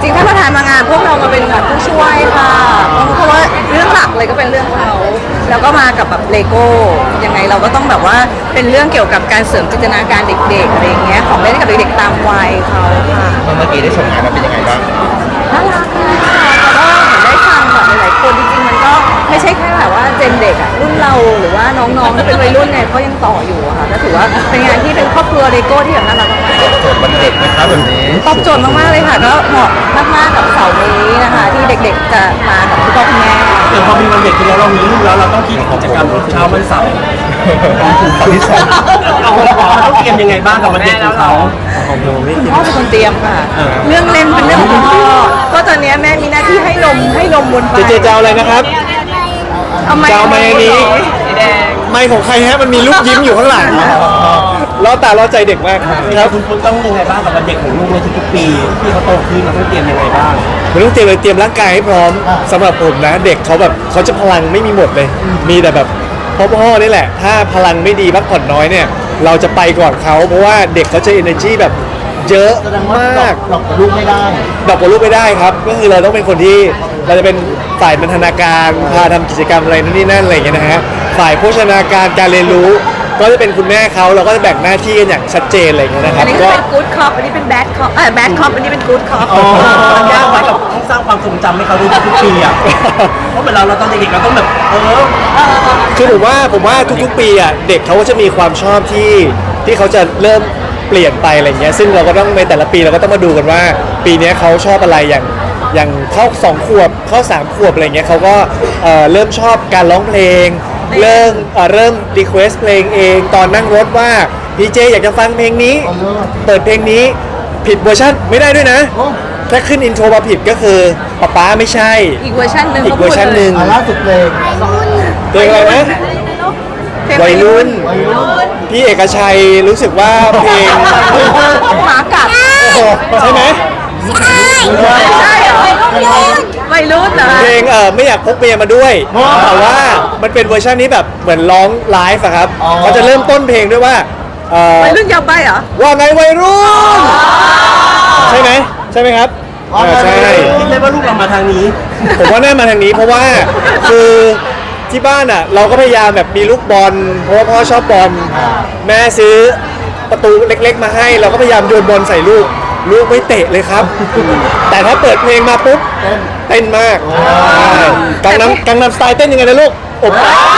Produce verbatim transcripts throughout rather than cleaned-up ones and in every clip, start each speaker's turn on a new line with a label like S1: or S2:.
S1: ริงๆถ้าประธานมางานพวกเรามาเป็นแบบผู้ช่วยค่ะเพราะว่าเรื่องหลักเลยก็เป็นเรื่องเขาแล้วก็มากับแบบเลโก้ยังไงเราก็ต้องแบบว่าเป็นเรื่องเกี่ยวกับการเสริมจินตนาการเด็กๆอะไรอย่างเงี้ยของเล่นกับเด็กๆตามวัยเขาค่ะ
S2: เมื่อกี้ได้ชมงานแล้วเป็นยังไงบ้าง
S1: น่ารักเลยค่ะแล้วก็เหมือนได้ฟังแบบหลายๆคนจริงๆมันก็ไม่ใช่แค่แบบว่าเจนเด็กอะรุ่นเราหรือว่าน้องๆที่เป็นวัยรุ่นเนี่ยเขายังต่ออยู่อะค่ะก็ถือว่าเป็นงานที่เป็นครอบครัวเลโก้ที่แบบน่ารักมากๆ
S2: โจทย์วันเด็กนะครับแบบนี้
S1: ตอบโจทย์มากๆเลยค่ะก็เหมาะมากๆกับเสาร์นี้นะคะที่เด็กๆจะมากับคุณพ่อคุณแม่
S3: เดี๋ยวพอมีวันเด็กแล้วเรามีลูกแล้วเราต้องคิดกิจกรรมเช้าวันเสาร์
S2: ตอนที่สอง
S3: เราต้องเตรียมยังไงบ้างกับวันเด็กของเขา
S1: คุณพ่อเป็นคนเตรียมค่ะเรื่องเล่นเป็นเรื่องของพ่อเพราะตอนนี้แม่มีหน้าที่ให้นมให้นมบนไป
S4: เจเจจะเอาอะไรนะครับ
S1: เอาไม้
S4: จะเอาไม้อันนี้ไม้ของใครฮะมันมีลูกยิ้มอยู่ข้างหลังล้อตาล้อใจเด็กมาก
S3: ครับคุณคุณต้องยังไงบ้างกับวันเด็กของลูกในทุกๆปีที่เขาโตขึ้นเราต้องเตรียมยังไงบ้าง
S4: มันต้องเตรียมเลยเตรียมร่างกายให้พร้อมสำหรับผมนะเด็กเขาแบบเขาจะพลังไม่มีหมดเลยมีแต่แบบพ่อๆนี่แหละถ้าพลังไม่ดีพักผ่อนน้อยเนี่ยเราจะไปก่อนเขาเพราะว่าเด็กเขาจะ energy แบบเยอะมาก
S2: ดอกกับลูกไม่ได้
S4: ดอกกับลูกไม่ได้ครับก็คือเราต้องเป็นคนที่เราจะเป็นฝ่ายบรรณาการพาทำกิจกรรมอะไรนั่นนี่นั่นอะไรอย่างเงี้ยนะฮะฝ่ายโภชนาการการเรียนรู้ก็จะเป็นคุณแม่เขาเราก็จะแบ่งหน้าที่กันอย่างชัดเจนอะไรอย่างเงี้ยนะครับ
S1: อันนี้เป็นกู๊ดคอปอันนี้เป็นแบดคอปเออแบดคอปอันนี้เป็นกู๊ดคอป
S3: มันยากไหมกับต้องสร้างความทรงจำให้เขาดูทุกปีอ่ะเพราะเหมือนเราเราตอนเด็กๆเราต้องแบบเออ
S4: คือผมว่าผมว่าทุกๆปีอ่ะเด็กเขาก็จะมีความชอบที่ที่เขาจะเริ่มเปลี่ยนไปอะไรเงี้ยซึ่งเราก็ต้องในแต่ละปีเราก็ต้องมาดูกันว่าปีนี้เขาชอบอะไรอย่างอย่างเข้าสองขวบเข้าสามขวบอะไรเงี้ยเขาก็เอ่อเริ่มชอบการร้องเพลงเริ่มเอ่อเริ่มรีเควสเพลงเองตอนนั่งรถว่าพีเจอยากจะฟังเพลงนี้เปิดเพลงนี้ผิดเวอร์ชันไม่ได้ด้วยนะถ้าขึ้นอินโทรมาผิดก็คือป๊าป๊าไม่ใช่
S1: อีกเวอร์ชันหนึ่ง
S4: อีกเวอร์ชันหนึ่ง
S2: ล่าสุดเพลง
S4: เพลงอะไรนะวัยรุ่นพี่เอกชัยรู้สึกว่าเพลง
S1: หมากัด
S4: ใช่ไหม
S1: ใช่เหรอวัยรุ่นเหรอ
S4: เพลงเออไม่อยากพกเมียมาด้วยแต่ว่ามันเป็นเวอร์ชันนี้แบบเหมือนร้องไลฟ์อะครับเขาจะเริ่มต้นเพลงด้วยว่า
S1: วัยรุ่นยาวไปเหรอ
S4: ว่าไงวัยรุ่นใช่ไหมใช่ไหมครับใช่
S3: คิดเลยว่าลูกเรามาทางนี้
S4: ผมว่าน่ามาทางนี้เพราะว่าคือที่บ้านอ่ะเราก็พยายามแบบมีลูกบอลเพราะว่าพ่อชอบบอลแม่ซื้อประตูเล็กๆมาให้เราก็พยายามโยนบอลใส่ลูกลูกไม่เตะเลยครับแต่ถ้าเปิดเพลงมาปุ๊บเต้นมากกังนำกังนำสไตล์เต้นยังไงนะลูกอบ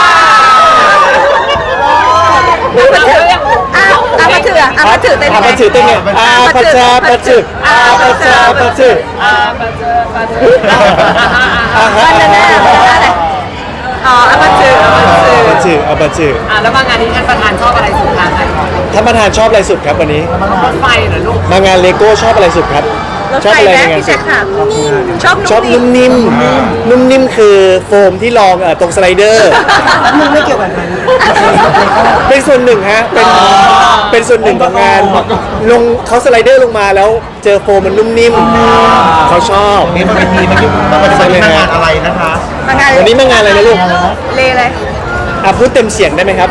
S1: อ้าวอามาถืออามาถือเต้น
S4: อามาถือเต้นไงอาปัจจาปัจจุอาปัจจาปัจจุ
S1: อาปัจจาปัจจุอาฮะอะไรอ๋ออาปัจจุอาปัจจุ
S4: อาปัจจุ
S5: อ่ะแล้วมางานนี้ท่านประธานชอบอะไรสุดคะ
S4: ท่านประธานชอบอะไรสุดครับวันนี้
S5: รถไฟเหรอลูก
S4: มางานเลโก้ชอบอะไรสุดครับ
S1: ชอบอะไรในงานสุดชอบ
S4: ชอบนุ่มนิ่มนุ่มนิ่มคือโฟมที่รองตรงสไลเดอร์
S3: ไม่เกี่ยวกับงาน
S4: เป็นส่วนหนึ่งฮะเป็นเป็นส่วนหนึ่งของงานลงเขาสไลเดอร์ลงมาแล้วเจอโฟมมันนุ่มนิ่มเขาชอบ
S2: นี่มันเป็นทีมันยุบมันเป็นงานอะไรนะคะ
S4: วันนี้มางานอะไรนะลูก
S1: เลอะไร
S4: อ่ะพูดเต็มเสียงได้ไหมครับ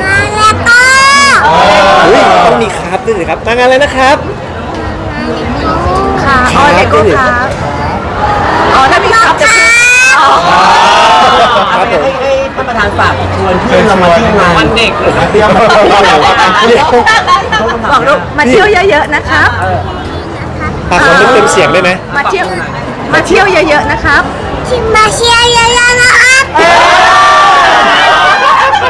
S4: อุ้ยต้องมีครับด้วยสิครับมางานอะไรนะครับ
S1: ค่ะอ๋อเลโก้ครับอ๋อถ้ามีครับจะอ๋อ
S3: ครับผมให้ท่านประธานฝากชวนเพื่อนเรามาเที่ยวงาน
S5: วันเด็ก
S2: เที่ยวมา
S1: บอกลูกมาเที่ยวเยอะๆนะครับ
S4: ปากขอเต็มเสียงได้ไหม
S1: มาเที่ยวมาเที่ยวเยอะๆนะครับ
S6: มาเที่ยวเยอะๆนะ